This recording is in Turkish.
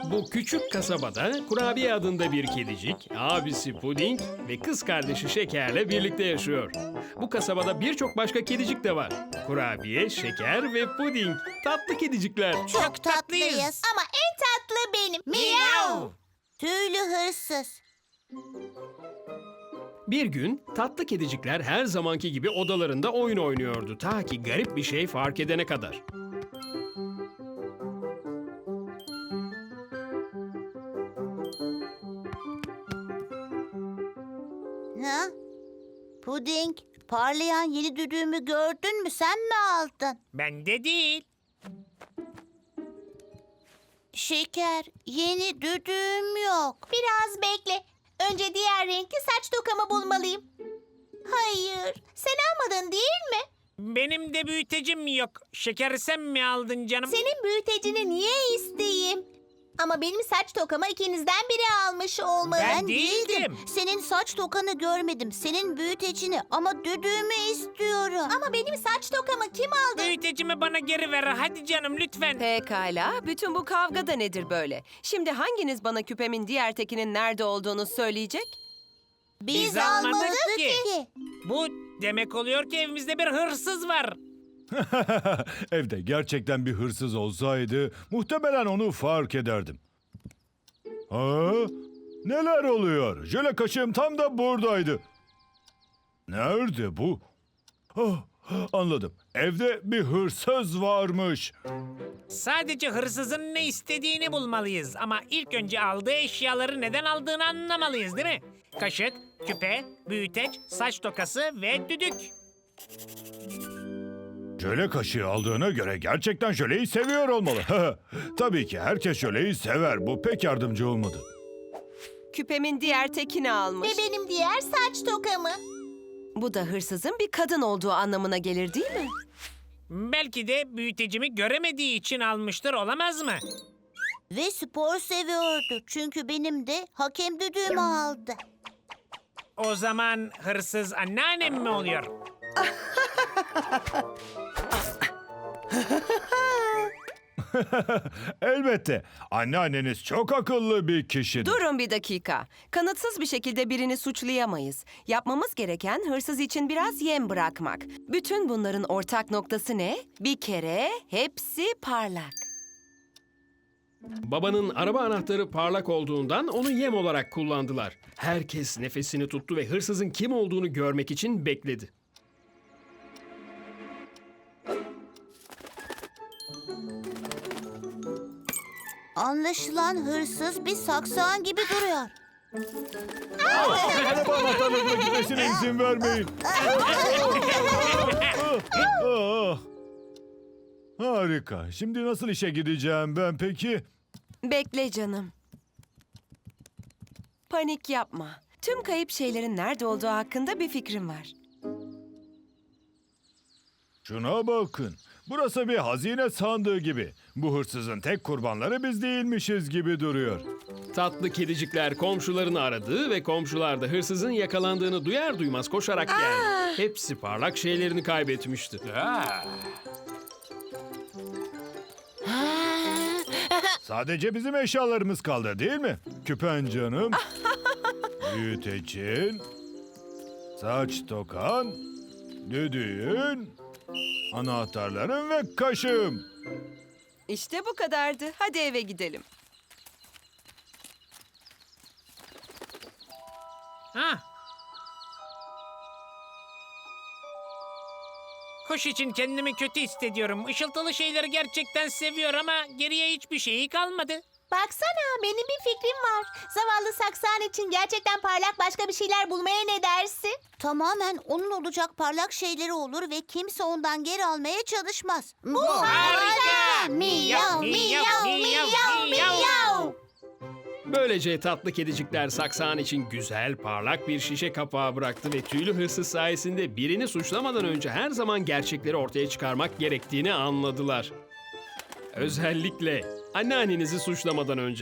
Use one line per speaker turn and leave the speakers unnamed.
Bu küçük kasabada Kurabiye adında bir kedicik, abisi Puding ve kız kardeşi Şeker'le birlikte yaşıyor. Bu kasabada birçok başka kedicik de var. Kurabiye, Şeker ve Puding. Tatlı kedicikler.
Çok tatlıyız.
Ama en tatlı benim.
Miyav.
Tüylü hırsız.
Bir gün tatlı kedicikler her zamanki gibi odalarında oyun oynuyordu. Ta ki garip bir şey fark edene kadar.
Ha? Puding, parlayan yeni düdüğümü gördün mü? Sen mi aldın?
Bende değil.
Şeker, yeni düdüğüm yok. Biraz bekle. Önce diğer renkli saç tokamı bulmalıyım. Hayır, sen almadın değil mi?
Benim de büyütecim yok. Şeker sen mi aldın canım?
Senin büyütecini niye isteyeyim? Ama benim saç tokamı ikinizden biri almış olmalı.
Ben değildim.
Senin saç tokanı görmedim. Senin büyütecini ama düdüğümü istiyorum. Ama benim saç tokamı kim aldı?
Büyütecimi bana geri ver. Hadi canım lütfen.
Pekala, bütün bu kavga da nedir böyle? Şimdi hanginiz bana küpemin diğer tekinin nerede olduğunu söyleyecek?
Biz almadık ki. Bu demek oluyor ki evimizde bir hırsız var.
Evde gerçekten bir hırsız olsaydı muhtemelen onu fark ederdim. Ha? Neler oluyor? Jöle kaşığım tam da buradaydı. Nerede bu? Ah, anladım. Evde bir hırsız varmış.
Sadece hırsızın ne istediğini bulmalıyız. Ama ilk önce aldığı eşyaları neden aldığını anlamalıyız değil mi? Kaşık, küpe, büyüteç, saç tokası ve düdük.
Jöle kaşığı aldığına göre gerçekten jöleyi seviyor olmalı. Tabii ki herkes jöleyi sever. Bu pek yardımcı olmadı.
Küpemin diğer tekini almış.
Ve benim diğer saç tokamı.
Bu da hırsızın bir kadın olduğu anlamına gelir değil mi?
Belki de büyütecimi göremediği için almıştır, olamaz mı?
Ve spor seviyordu. Çünkü benim de hakem düdüğümü aldı.
O zaman hırsız anneannem mi oluyor?
Elbette. Anneanneniz çok akıllı bir kişidir.
Durun bir dakika. Kanıtsız bir şekilde birini suçlayamayız. Yapmamız gereken hırsız için biraz yem bırakmak. Bütün bunların ortak noktası ne? Bir kere hepsi parlak.
Babanın araba anahtarı parlak olduğundan onu yem olarak kullandılar. Herkes nefesini tuttu ve hırsızın kim olduğunu görmek için bekledi.
Anlaşılan hırsız bir saksağın gibi duruyor.
Araba anahtarlarına gitmesine izin vermeyin. Ah. Harika. Şimdi nasıl işe gideceğim ben peki?
Bekle canım. Panik yapma. Tüm kayıp şeylerin nerede olduğu hakkında bir fikrim var.
Şuna bakın. Burası bir hazine sandığı gibi. Bu hırsızın tek kurbanları biz değilmişiz gibi duruyor.
Tatlı kedicikler komşularını aradı ve komşular da hırsızın yakalandığını duyar duymaz koşarak geldi. Hepsi parlak şeylerini kaybetmişti.
Sadece bizim eşyalarımız kaldı değil mi? Küpen canım. Büyütecin. Saç tokan. Düdüğün. Anahtarların ve kaşığım.
İşte bu kadardı. Hadi eve gidelim.
Ha. Kuş için kendimi kötü hissediyorum. Işıltılı şeyleri gerçekten seviyor ama geriye hiçbir şeyi kalmadı.
Baksana, benim bir fikrim var. Zavallı saksağın için gerçekten parlak başka bir şeyler bulmaya ne dersin? Tamamen onun olacak parlak şeyleri olur ve kimse ondan geri almaya çalışmaz. Bu
harika!
Miyav, miyav, miyav, miyav.
Böylece tatlı kedicikler saksağın için güzel, parlak bir şişe kapağı bıraktı ve tüylü hırsız sayesinde birini suçlamadan önce her zaman gerçekleri ortaya çıkarmak gerektiğini anladılar. Özellikle anneannenizi suçlamadan önce.